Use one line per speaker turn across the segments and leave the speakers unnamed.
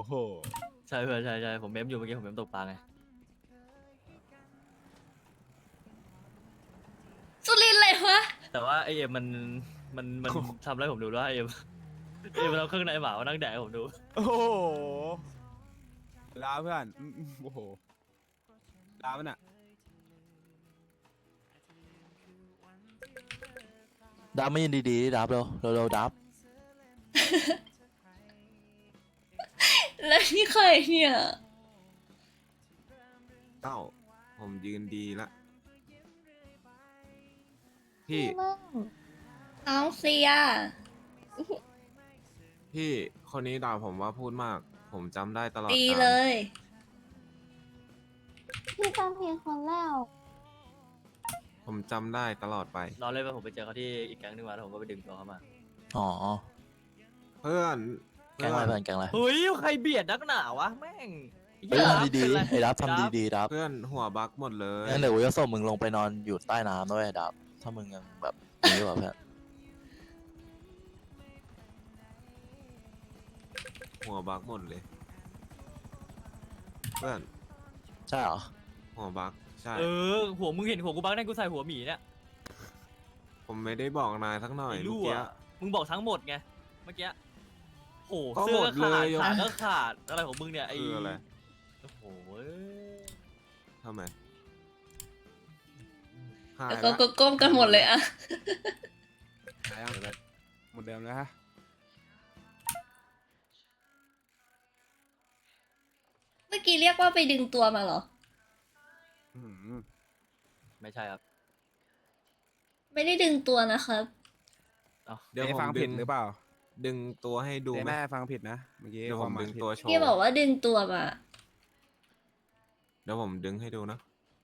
โห
ใช่เพื่อนใช่ผมเมมอยู่เมื่อกี้ผมเมมตกปลาไง
สุรินทร์เลยวะ
แต่ว่าไอเอ็มมันทำอะไรผมดูด้วยไอเอ็มมันเอาเครื่องในหมามานั่งแดกให้ผมดู
โอ้โหลาเพื่อนโอ้โหลามันอ่ะ
ดับไม่ยินดีๆดับเร็วดับ
แล้วนี่ใครเนี่ย
เต้าผมยืนดีละพี่
น้องเซีย
พี่คนนี้ด่าผมว่าพูดมาก ผมจำได้ตลอด
ดี
กาล
เลย
พี่จำผิดคนแล้ว
ผมจำได้ตลอดไป
รอเลยว่าผมไปเจอเขาที่อีกแก๊งนึงมาแล้วผมก็ไปดึงตัวเขามา
อ๋อ
เพื่อน
แกงอะไรเพื่อนแกงอะไร
เฮ้ยใครเบียดนักหนาวะแม่ง
เฮ้ยทำดีๆไอ้ดับทำดีๆดับ
เพื่อนหัวบักหมดเลย
งั้นเดี๋ยวกูจะส่งมึงลงไปนอนอยู่ใต้น้ำด้วยดับ ถ้ามึงยังแบบนี้อยู่อะเพื่อน
หัวบักหมดเลย เพื่อน
ใช่เหรอ
หัวบักใช่
หัวมึงเห็นหัวกูบักได้กูใส่หัวหมีเนี่ย
ผมไม่ได้บอกนายสักหน่อย
ไอ้
เมื่
รั่
อ
ว
กี้
มึงบอกทั้งหมดไงเมื่อกี้โห
ก็
เสื้
หม
อ
ด
ขา
เล
ด
ย
ขาก็ขาดอะไรของมึงเนี่ยไอ้
คืออะไร
โอ้โห
ทำไมหาย
แล้ว
ละ
ก็ก้มกันหมดเลยอะ
หายยังหมดเดิมแล้วฮะ
เมื่อกี้เรียกว่าไปดึงตัวมาเหรอ
อื้อหือ
ไม่ใช่ครับ
ไม่ได้ดึงตัวนะครับ
เดี๋ยว
เจ๊
ผม
ฟัง
ดึ
ผิด
ง
หรือเปล่า
ดึงตัวให้ดู
เจ๊
ไหม
แม่ฟังผิดนะเมื่อกี้
เดี๋ยวผม
คาหา
ดึง
ผิ
ตัวโชว์
พี่บอกว่าดึงตัวมา
เดี๋ยวผมดึงให้ดูนะ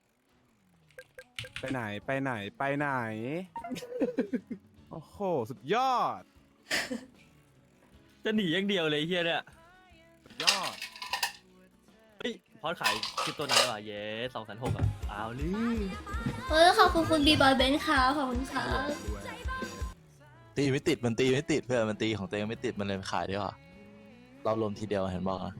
ไปไหนไปไหนไปไหน โอ้โหสุดยอด
จะหนีอย่างเดียวเลยไอ้เฮียเนี่ย
สุดยอด
เฮ้ยพอดขายคลิปตัวไหนวะเย้2,600อ่ะเอาลือ
ขอบคุณคุณบีบอยเบนซ์ค่ะขอบคุณค่ะ
ตีไม่ติดมันตีไม่ติดเพื่อนมันตีของตัวเองไม่ติดมันเลยขายดีกว่าเรารวมทีเดียวเห็นบอกนะ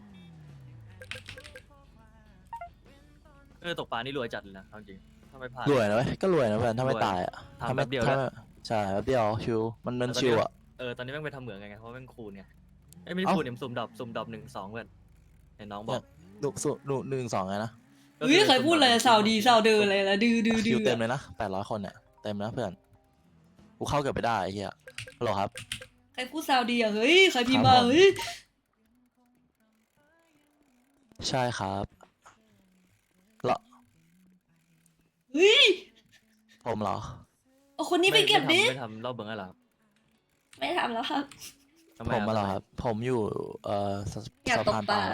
ตกปลานี่รวยจัดเลยนะเอาจริงถ้าไม่พลาด
รวยนะเว้ยก็รวยนะเพื่อนถ้าไม่
รวย
ตายอ่ะ
ทำ
ถ้าไม่
แป๊บเดียว
ถ้า
นะ
ใช่แป๊บเดียวชิวมันชิวอ่ะ
ตอนนี้แม่งไปทำเหมืองไงเพราะแม่งคูณไงไม่ได้
เอ้า
คูณเนี่ยสุ่มดอก1 2เพื่อนเห็นน้องบอก
หนึ่งสองไงนะ
ก็
เฮ้ยใครพูดอะไรสาวดีสาวเดินอะไรละดื้อ
คิวเต็มเลยนะ800 คนเนี่ยเต็มนะเพื่อนกูเข้าเกือบไปได้ไอ้เหี้ยฮัลโหลครับ
ใครพูดสาวดีอ่ะเฮ้ยใครพิมพ์มา
ครับผม
เฮ้ย
ใช่ครับเหรอ
เฮ้ย
ผมเหรอ
เอาคนนี้ไปเก็บดิ
ไม่ทำรอบเบื้องอะไรครับ
ไม่ทำแล้วครับ
ทำไ
ผมมาเหรอครับผมอยู่ส
อยาก
สะ
ตก
พาน
ป
ป
ลา
ลา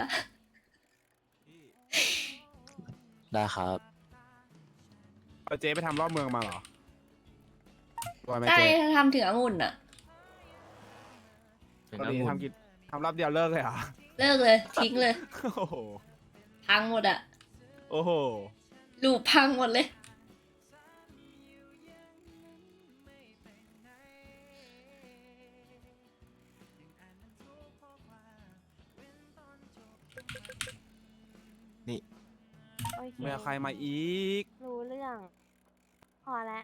ได้ครับ
เอาเจ๊ไปทำรอบเมืองมาเหรอรวยไหม
ใช่
เจ๊
ทำถึงองุ่นอ่ะ
ถึง
ตอน
น้ำ
นี้
มูล
ทำรอบเดียวเลิกเลยเหรอ
เลิกเลยทิ้งเลย
โอ้โห
พังหมดอ่ะ
โอ้โห
ลูปพังหมดเลย
โอเค
ไม่เอาใครมาอีก
รู้เรื่อง พอแล้ว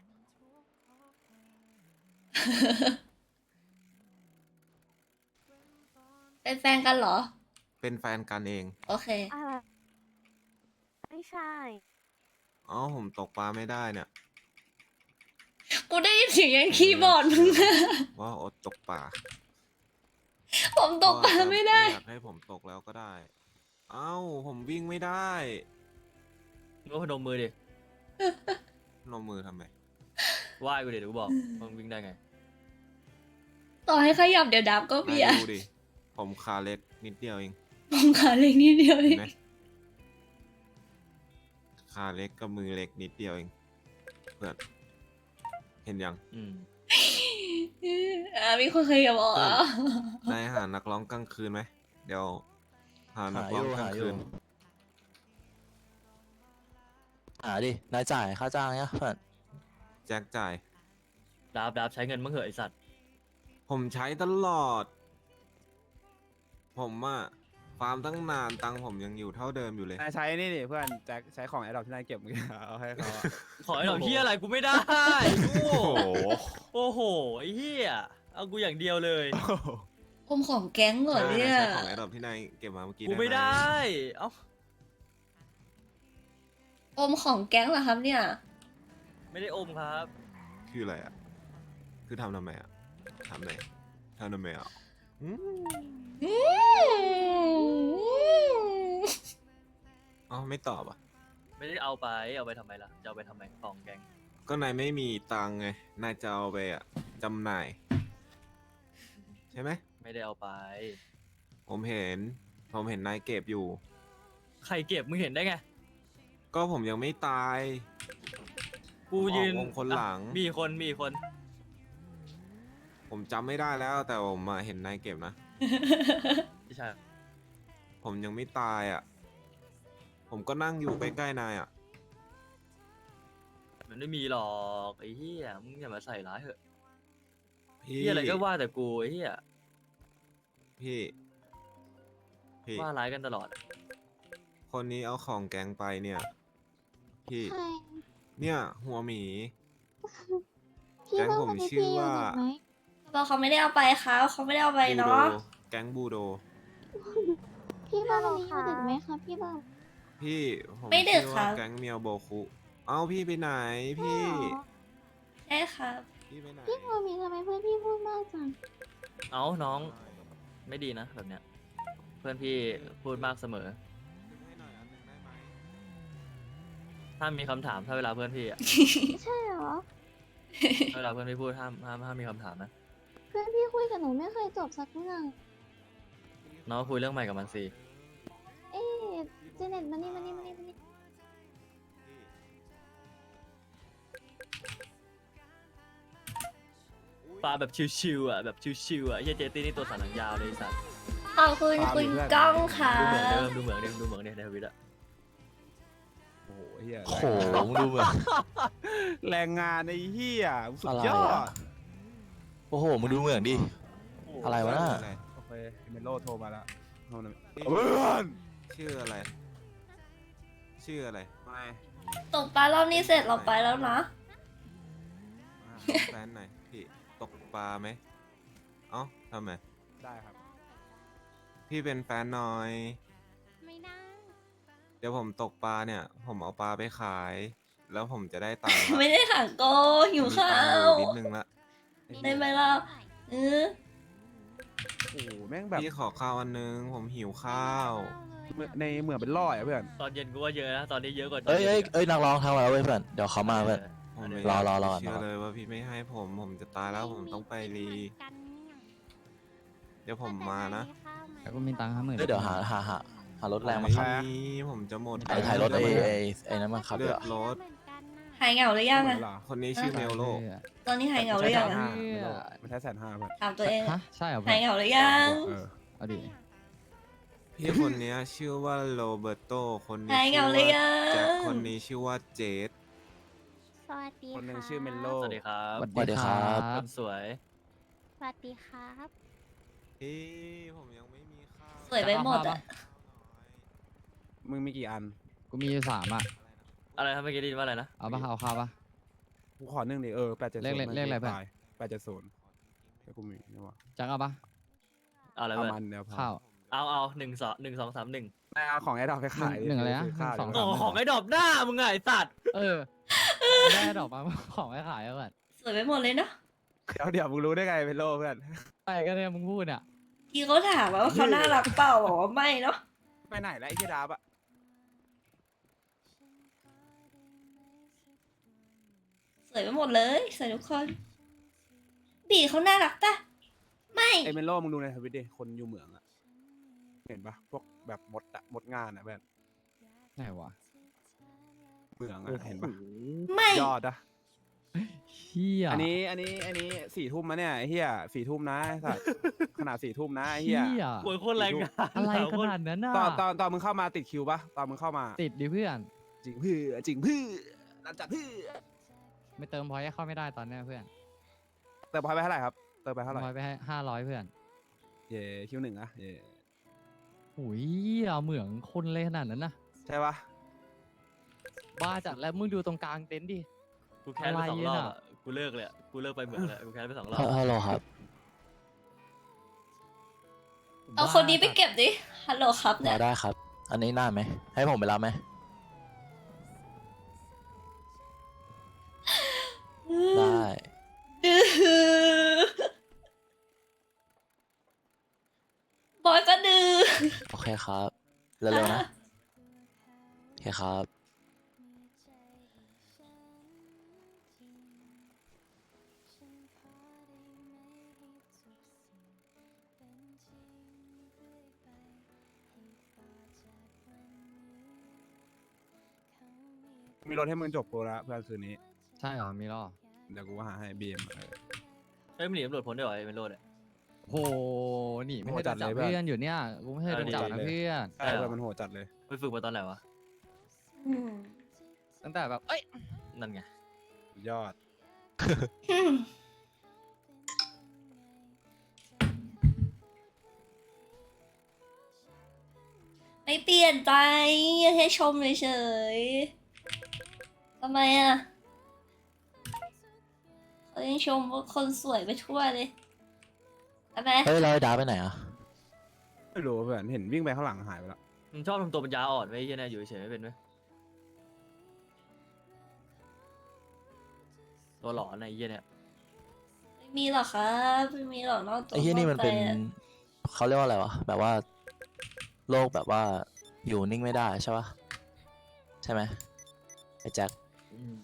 เป็นแฟนกันเหรอ
เป็นแฟนกันเอง
โอเค
อะไร ไม่ใช่
อ๋อผมตกปลาไม่ได้เนี่ย
กูได้ยินเสียงยังคีย์บอร์ดมึงอะ
ว่าอดตกปลา
ผมตกปลาไม่ได้
อยากให้ผมตกแล้วก็ได้ เอ้าผมวิ่งไม่ได้
ก็พนมมือดิ
ลงมือทำไม
ไหว้กูดิเดี๋ยวกูบอกมึงวิ่งได้ไง
ต่อให้ขยับเดี๋ยวดับก็เบีย
นาย
ร์
ดูดิ ผมขาเล็กนิดเดียวเอง
ผมขาเล็กนิดเดียวเอ
เห็น
ง
ไหมขาเล็กกับมือเล็กนิดเดียวเอง เพื่อน เห็นยัง
อืม
มีคนเคยบอกอ่ะ
นายหานักร้องกลางคืนไหม เดี๋ยว หานักร้องกลางคืน
หาดินายจ่ายค่าจ้างเนี่ยเพื่อน
แจ็คจ่าย
ดาบใช้เงินมั่งเหอะไอสัตว์
ผมใช้ตลอด ผมอะฟาร์มตั้งนานตังค์ผมยังอยู่เท่าเดิมอยู่เลย
นายใช้นี่ดิเพื่อนแจ็คใช้ของไอ้ดอกที่นายเก็บเมื่อกี้เอาให้เขาอะ
ขอไอ้ดอกเฮียอะไรกูไม่ได้โอ้
โอ้โห
โอ้โหไอ้เฮียเอากูอย่างเดียวเลย
อมของแก๊งเหรอเนี่ย
ใช้ของไอ้ดอกที่นายเก็บมาเมื่อกี้
กู
ได้
ไม่
ไหม
ได้ เอ้า
อมของแก๊งเหรอครับเนี่ย
ไม่ได้อมครับ
คืออะไรอ่ะ คือทำไมอ่ะทำไมอ่ะอืม
อืม
อ๋อไม่ตอบอ่ะ
ไม่ได้เอาไปทำไมล่ะจะเอาไปทำไมของแกง
ก็นายไม่มีตังค์ไง นายจะเอาไปอ่ะจำหน่าย ใช่ไหม
ไม่ได้เอาไป
ผมเห็นนายเก็บอยู่
ใครเก็บมึงเห็นได้ไง
ก็ผมยังไม่ตาย
กูยืน
ออกวงคนหลัง
มีคน
ผมจำไม่ได้แล้ว แต่ผมมาเห็นนายเก็บนะ
ไม่ใช่
ผมยังไม่ตายอ่ะ ผมก็นั่งอยู่ใกล้ๆนายอ่ะ
มันไม่มีหรอกไอ้เหี้ยมึงอย่ามาใส่ร้ายเถอะ
พี่
เหี้ยอะไรก็ว่าแต่กูไอ้เหี้ย
พี่
ว่าร้ายกันตลอด
คนนี้เอาของแกงไปเนี่ย พี่
ใคร
เนี่ยหัวหมี
พี่
แก๊ง
ต้อง
ผม
มา
ชื่อ
พี่
ว่า
ถูกไหม
บอกเขาไม่ได้เอาไปครับเขาไม่ได้เอาไป
บูโด
เนาะ
แก๊งบูโด
พี่บ้าวันนี้อยู่ดึกไหมคะพี่บ้า
พี่ผม
ไม่ดึก
ชื่อ
ครั
ว่า
บ
แก๊งเมียวโบคุ เอ้าพี่ไปไหนพี่
ใช่ครับ
พี่ไปไหน
พี่โมมีทำไมเพื่อนพี่พูดมากจัง
เอ้าน้องไม่ดีนะแบบเนี้ย เพื่อนพี่พูดมากเสมอ
ให้หน่อยอันหนึ่งได้ไหม
ถ้ามีคำถามถ้าเวลาเพื่อนพี่อะ
ใช่เหรอ
ถ้าเวลาเพื่อนพี่พูดห้ามมีคำถามนะ
เพื่อนพี่คุยกับหนูไม่เคยจบสักเรื่อง
น้องก็คุยเรื่องใหม่กับมันสิ
เอ๊ะเจเน็ตมานี่มานี่มานี่มานี่
ปลาแบบชิวๆอ่ะแบบชิวๆอ่ะเฮียเจตี้นี่ตัวสันหลังยาวเลยไอ้สัตว์
ขอบคุณคุณก้องค่ะ
ดูเหมือนเดิมดูเหมือนเนี่ยในทวิตอะ
โอ้โหเฮีย
โอ้โหมึงดูเหมือน
แรงงานไอ้เฮียสุด
อะไร
ยอ
อะ
ด
โอ้โหมึงดูเหมือนดิ อะไรวะน่ะ
โอเคเมโลโทรมาแล้วโทรหน่อย
พี่
เพื่อน
ชื่ออะไร ชื่ออะไร
ไม่
ตกปลารอบนี้เสร็จเราไปแล้วนะ
แฟนหน่อยพี่ตกปลาไหมเอ้าทำไม
ได้ครับ
พี่เป็นแฟนหน่อย
ไม่ได้
เดี๋ยวผมตกปลาเนี่ย ผมเอาปลาไปขาย แล้วผมจะได้ตังค์ละ
ไม่ได้ถังโกหิว
มี
ข้า
ตังค์อ
ว
ยู่นิดนึงละ
ได้ไหมล่ะเออ
โอ้โหแม่งแบบ
พี่ขอข้าวอันนึง ผมหิวข้าว
ในเหมือนเป็นร้อยอะเพื่อน
ตอนเย็นกูว่าเยอะนะตอนนี้เยอะกว่าตอน
เอ้ย
ย็น
เอ้ย
อีกอะ
เอ้ยนักร้องทำมาแล้วเว้ยเพื่อนเดี๋ยวเขามาเพื่อน
ผมไม่
รอ
อยาก
รอ
เชื่อ
รอ
เลยว่าพี่ไม่ให้ผมจะตายแล้วผมต้องไปรี เดี๋ยวผมมานะ
แล้วก็มีตังค์50,000
เอ้ยเดี๋ยวหารถแรงมา
ไ
ขับ
ผมจะหมด
ถ่ายรถไอ้นั้นมาขับ
เลื
เดี๋
อ
ยว
ดรถ
หายเหงาหรือยังอะ
เหรอ
คนนี้ชื่อเมลโล
ตอนนี้หายเหงาหรือยังอะ
มันใช้150,000เพื่อน
ถามตัวเอง
ฮะใช่เหรอ
หายเหงาหรือยัง
เออ
เอาดิ
พี่คนเนี้ยชื่อว่าโรเบร์โต คนนี้
หายเห
ชื่
งา
อ
หรือ
ว่า
ยัง
แจ็ค คนนี้ชื่อว่าเจด
สวัสดี
คนหนึ่ง
ค่ะ
ชื่อเมนโล
สวัสดีครับ
สวัสดีครับ
คนสวย
สวัสดีครับ
พี่ผมยังไม่มีข้าว
สวยไปหมดอะ
มึงมีกี่อัน
กูมีอยู่3อ่ะ
อะไรครับเมื่อกี้ได้ยินว่าอะไรนะ
เอาปะเอาข้าวปะ
กูขอ1ดิ870
เลขอะไรเพื่อน
870แล้วกูมีนี่วะ
จังเอาปะ
เอาอะไร
เอา
เพื่อน
มันเดี๋ยวพอ
ข้าว
เอา1 2 1 2 3 1
ไม่เอาของไอ้ดอกไปขาย
หนึ่งอะไรนะ
ซื้ข้าว
หนึ่งส
โอ้
อง
ของไอ้ดอบหน้ามึงไงไอ้สัตว์
เออได้ดอกมาของไม่ขายแล้วเพื่อน
สวยไปหมดเลยเนาะ
เดี๋ยวมึงรู้ได้ไงเมนโลเพื่อน
ไปก็เนี่ยมึงพูดเนี่ย
ที่เขาถามว่าเขาน่ารักเปล่าบอกว่าไม่เนาะ
ไปไหนแล้วไอ้ที่ดาบอะ
สวยไปหมดเลยสวยทุกคนบีเขาน่ารักปะไม่
ไอ้เมนโลมึงดูในทวิตดิคนอยู่เหมืองอะเห็นปะพวกแบบมดอะมดงานอะเพื่อน
ไหนวะ
เหมืองอะเห็นปะ
ไม่
ยอดอะ
เฮีย
อันนี้4 ทุ่มนะเนี่ยไอ้เหี้ย4 ทุ่มนะไอ้สัตว์ ขนาด4 ทุ่มนะไอ้
เฮี
เหี้ย
ย
โวยโคตรแรงงาน
อะไรขนาดนั้นน่ะ
ตอนมึงเข้ามาติดคิวปะตอนมึงเข้ามา
ติดดิเพื่อน
จริงเพื่อจริงเพื่อหลังจากเพื่อ
ไม่เติมพอยต์ให้เข้าไม่ได้ตอนเนี้ยเพื่อน
เติมพอยต์ไปเท่าไหร่ครับเติมไปเท่าไหร่
พอยต์ไปให้500เพื่อน
เย่คิว1อะเย่
โอ้ยเอาเหมืองคนเลยขนาดนั้นนะ
ใช่ปะ
บ้าจัดแล้วมึงดูตรงกลางเต็นท์ดิ
กูแค้นไป
อะไร
2 รอบ
น่ะ
อะกูเลิกเลยอะกูเลิกไปเหมืองเลยกูแค้นไป2 รอบ
ฮัลโหลครับ
เอาคนนี้ไปเก็บดิ ฮัลโหลครับเนี่
มาย ได้ครับ อันนี้น่าไหม ให้ผมไปรับไหม ได้
บอยก็ดื้อ
โอเคครับ เร็วๆนะ โอเคครับ
มีรถให้มึงจบโปรแล้วเพื่อนคืนนี้
ใช่เหรอมีรอบ
เดี๋ยวกูก็หาให้บีเอ็ม
เฮ้ยมันหนีตำรวจพ้นได้เหรอไอ้เมโลดเนี่ย
โหหนีไม่
โห
เคย
จั
จั
ด
บ
เลย
เพื่อนอยู่เนี่ยกูไม่เคยโดนจับนะ
เออ
เพื่อน
ใช่เพื่อนมันโหดจัดเลย
ไปฝึกมาตอนไหนวะ
อืม
ตั้งแต่แบบเอ้ย
นั่นไง
ยอด
ไม่เปลี่ยนใจแค่ชมเฉยๆทำไมอ่ะเขายังชมว่าคนสวยไปทั่วเลยทำไม
เฮ้ยเราไอ้ดาไปไหนอ่ะ
ไม่รู้เพื่อนเห็นวิ่งไปข้างหลังหายไปแล้ว
มึงชอบทำตัวปัญญาอ่อนไว้ไอ้เหี้ยเนี่ยอยู่เฉยๆไม่เป็นไหมตัวหลอนไอ้เหี้ยเนี่ย
ไม่มีหรอกครับไม่มีหรอกนอกตัว
ไอ้เฮียนี่มันเป็น
อกใจอะ
เขาเรียกว่าอะไรวะ แบบว่า โลกแบบว่า อยู่นิ่งไม่ได้ใช่ปะใช่ไหมไอ้แจ็ค
อืม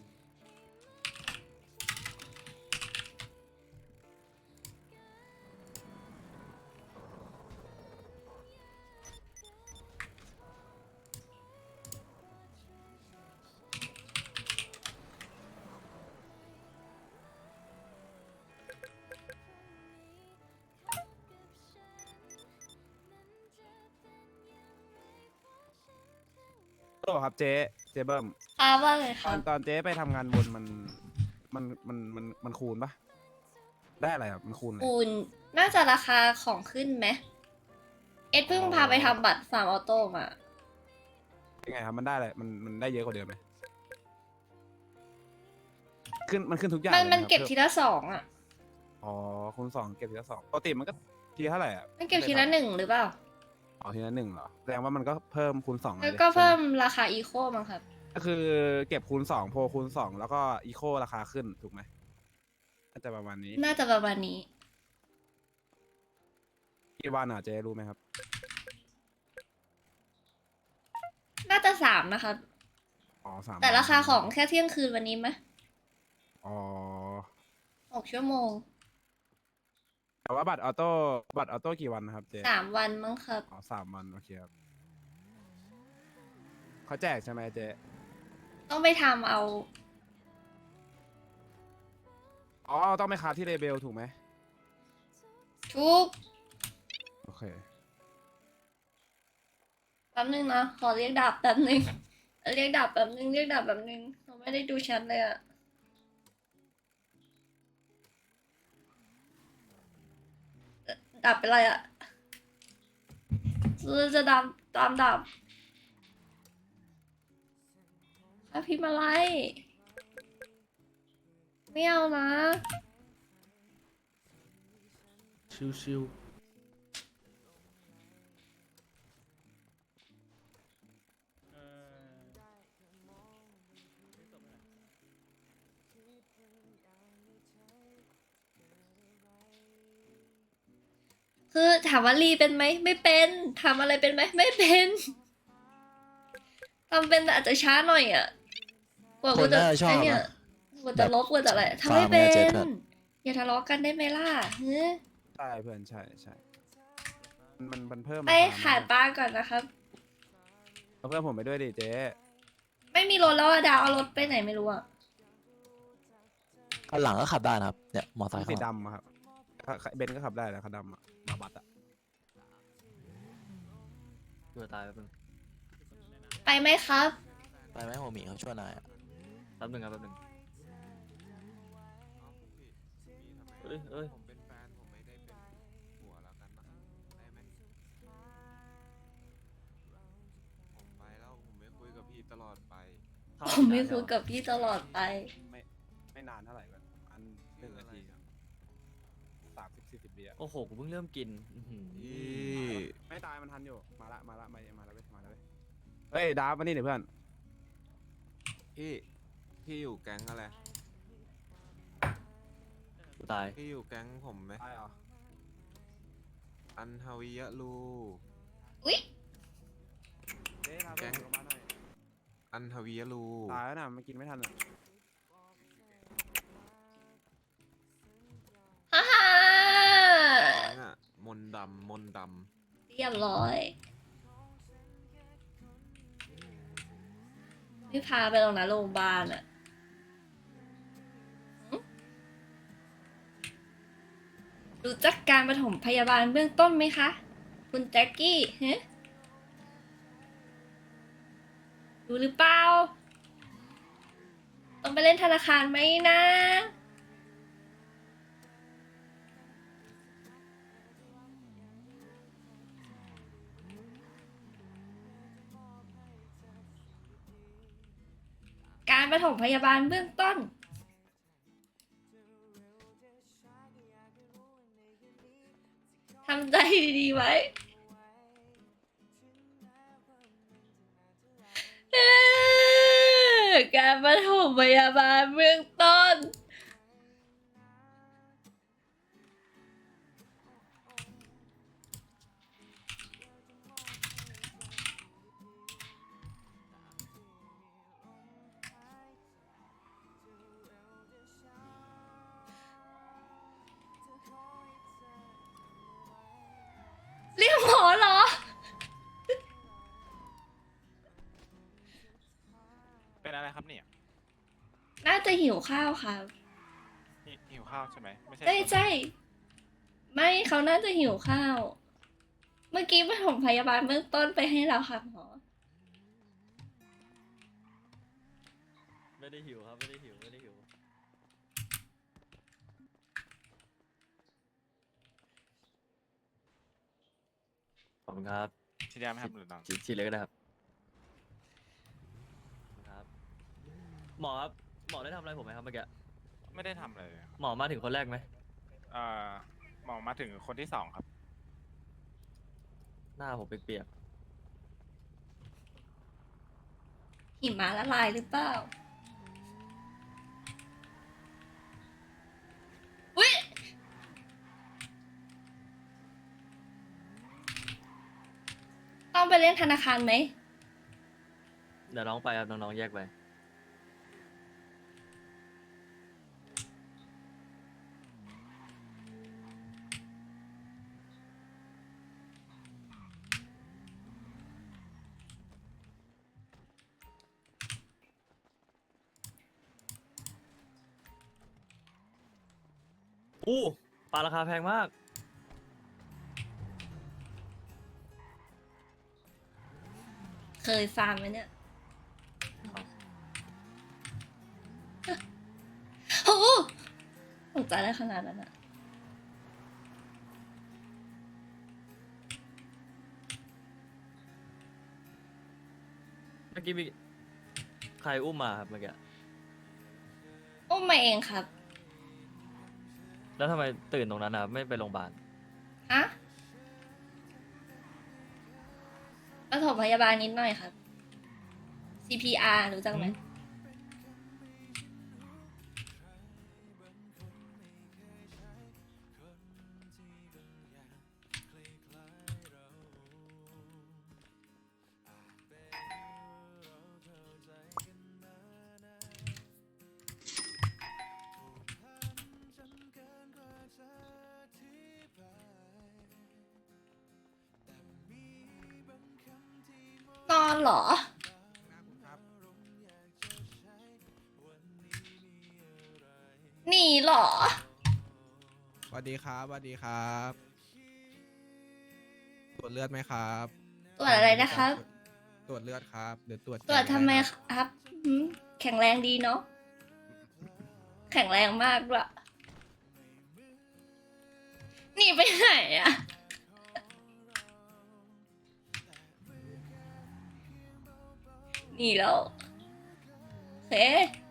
โอ้ครับเจ๊เบิ้ม
ครับว่าไงค
ต
รั
อบ นเจ๊ไปทำงานบนมันคูณปะได้อะไรครับมันคูณอะไร
ปูนน่าจะราคาของขึ้นไหมเอ็ดเพิ่งพาไปทำบัตรฟาร์มออโต้มา
ยังไงครับมันได้อะไรมันได้เยอะกว่าเดิมไหมมันขึ้นทุกอย่าง
มัน
ลยไห
มัน
ครับ
เก็บทีละ2อ่ะ
อ๋อคูณ2เก็บทีละ2ปกติมันก็ทีเท่าไหร่อ่ะ
มันเก็บทีละ1หรือเปล่า
อ๋อทีละ1เหรอแสดงว่ามันก็เพิ่มคูณ2
แล้วก็เพิ่มราคาอีโคมั้งครับ
ก็คือเก็บคูณ2โพลคูณ2แล้วก็อีโคราคาขึ้นถูกไหมน่าจะประมาณนี้
น่าจะประมาณนี้
กี่วันอ่ะเจ๊รู้ไหมครับ
น่าจะ3นะครับ
อ๋อ3
แต่ราคาของแค่เที่ยงคืนวันนี้ไหม
อ๋อ
6 ชั่วโมง
แต่ว่าบัตรออโต้กี่วันนะครับเจ๊
3 วันมั้งครับ
อ๋อ3 วันโอเคครับเขาแจกใช่ไหมเจ๊
ต้องไปทำเอา
อ๋อต้องไปคาที่เลเบลถูกไหม
ทุก
โอเค
แป๊บนึงนะ ขอเรียกดาบแป๊บนึง เรียกดาบแป๊บนึง เรียกดาบแป๊บนึงเราไม่ได้ดูแชัดเลยอะดาบเป็นไรอะจะดามตามดาบพี่มาไล่ไม่เอานะ
ชิว
คือถามว่ารีเป็นไหมไม่เป็นทำอะไรเป็นไหมไม่เป็นทำเป็นแต่อาจจะช้าหน่อยอ่ะกว่า
ค
กู
น
จะ
น่าจะชอบ
ไอ้เนี่ย
นะ
กว่าจะลบกว่าจะอะไร
แบบ
ทำไม่เป็
ฟาร์มเนี่ยเจ๊
น
เถิด
อย่าทะเลาะกันได้ไหมล่ะเฮ้ย
ใช่เพื่อนใช่ใช่มันเพิ่ม
ไป
ราค
หาปลาก่อนนะครับ
เอาเพื่อนผมไปด้วยดิเจ๊
ไม่มีรถแล้วอะดาวเอารถไปไหนไม่รู้อ่ะ
คันหลังก็ขับได้นะครับ เนี่ย มอไซค์
สี
ข้างหลัง
ดำอะครับเบนซ์ก็ขับได้แล้วคันดำอะมาบัตอะ
ๆตัวตายแป๊บนึง
ไปไหมครับ
ไปไหมโฮมี่เขาช่วยนายอะ
แป๊บนึงครับแป๊บนึงเอ้ย
ผมเป็นแฟนผมไม่ได้เป็นผัวแล้วกันนะได้ไหม
เข้า
ผมไม่
นาน
คุย
แล้ว
กับพี่ตลอดไป
ไม่นานเท่าไหร่แบบอัน1 นาที30-40 วิอะ
โอ้โหกูเพิ่งเริ่มกินอื้อหือ
พี่
ไม่ตายมันทันอยู่มาแล้วเว้ยเฮ้ยดาบมานี่เดี๋ยวเพื่อน
พี่อยู่แก๊งอะไร
กูตาย
พี่อยู่แก๊งผมไหม
ตายเหรอ
อันฮาวิยะลู
อุ๊ย
เฮ้ยดาบเพื่อนลงมาหน่อย
อันฮาวิยะลู
ตายแล้วนะมันกินไม่ทันอะ
ฮ่าฮ่า
แก๊งอะมนต์ดำ
เรียบร้อยพี่พาไปตรงนั้นโรงพยาบาลอะหึรู้จักการปฐมพยาบาลเบื้องต้นไหมคะ คุณแจ็คกี้ฮะรู้หรือเปล่า ต้องไปเล่นธนาคารไหมนะ การปฐมพยาบาลเบื้องต้น ทำใจดีๆไว้การปฐมพยาบาลเบื้องต้น เรียกหมอเหรอ
เป็นอะไรครับเนี่ย
น่าจะหิวข้าวค่ะ
หิวข้าวใช่ไหมไม่ใช่
ใช่ใช่ไม่เขาน่าจะหิวข้าว เมื่อกี้ปฐมพยาบาลเบื้องต้นไปให้แล้วค่ะหมอ
ไม่ได้หิวครับไม่ได้หิวไม่ได้หิวขอบคุณครับ
ชิดยาไหมครับหรือน้อง
ฉีดเลยก็ได้ครับครับ หมอครับหมอได้ทำอะไรผมไหมครับเมื่อกี้
ไม่ได้ทำอะไรเลยครับ
หมอมาถึงคนแรกไหม
หมอมาถึงคนที่ 2ครับ
หน้าผมเปียก
หิมะละลายหรือเปล่าอุ๊ยต้องไปเล่นธนาคารไหม
ๆเดี๋ยวน้องไปครับน้องๆแยกไป อู้ปลาราคาแพงมาก
เคยฟาร์มไหมเนี่ย โอ้โหตกใจได้ขนาดนั้นอะ
เมื่อกี้มีใครอุ้มมาครับเมื่อกี้
อุ้มมาเองครับ
แล้วทำไมตื่นตรงนั้นนะครับไม่ไปโรงพยาบาล
ฮะปฐมพยาบาลนิดหน่อยครับ CPR รู้จักไหม นอนเหรอ หนีเหรอ
สวัสดีครับสวัสดีครับตรวจเลือดไหมครับ
ตรวจอะไรนะครับ
ตรวจเลือดครับหรือตรวจ
ตรวจทำไม
อะรครับ
ครับหืมแข็งแรงดีเนาะ แข็งแรงมากด้วยหนีไปไหนอะหนีแล้วเค